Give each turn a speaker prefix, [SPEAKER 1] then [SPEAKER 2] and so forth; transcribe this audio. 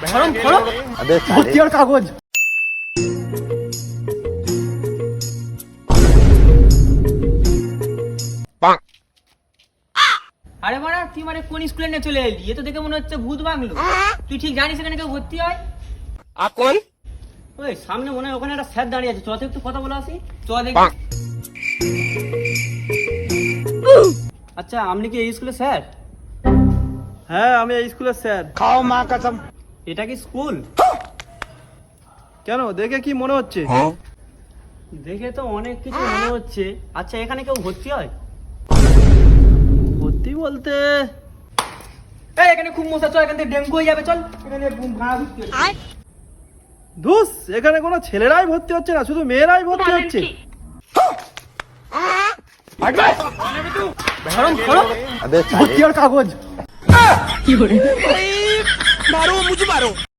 [SPEAKER 1] Form form ভর্তি হওয়ার কাগজ। আরে মারা তুই মানে কোন স্কুলে নিয়ে চলে এলি? এ তো দেখে মনে হচ্ছে ভূত বাংলো। তুই ঠিক জানিস এখানে কেউ ভর্তি হয়?
[SPEAKER 2] কোন?
[SPEAKER 1] ওই সামনে মনে হয় ওখানে একটা স্যার দাঁড়িয়ে আছে, চল তো একটু কথা বলে আসি। চল দেখি। আচ্ছা আপনি কি এই স্কুলের স্যার?
[SPEAKER 3] হ্যাঁ আমি এই স্কুলের স্যার।
[SPEAKER 2] খাও মা কসম।
[SPEAKER 1] এটা কি স্কুল?
[SPEAKER 3] কেন, দেখে কি মনে হচ্ছে?
[SPEAKER 1] দেখে তো অনেক কিছু মনে হচ্ছে। আচ্ছা এখানে কেউ ভর্তি হয়?
[SPEAKER 3] ভর্তি বলতে
[SPEAKER 1] এই এখানে খুব মশা, চল এখান থেকে ডেঙ্গু হয়ে যাবে, চল এখানে ভাড়া ভর্তি হচ্ছে।
[SPEAKER 3] ধুস, এখানে কোনো ছেলেরাই ভর্তি হচ্ছে না, শুধু মেয়েরাই ভর্তি হচ্ছে।
[SPEAKER 1] ফর্ম ফর্ম ভর্তি হওয়ার কাগজ।
[SPEAKER 2] मारो मुझे मारो।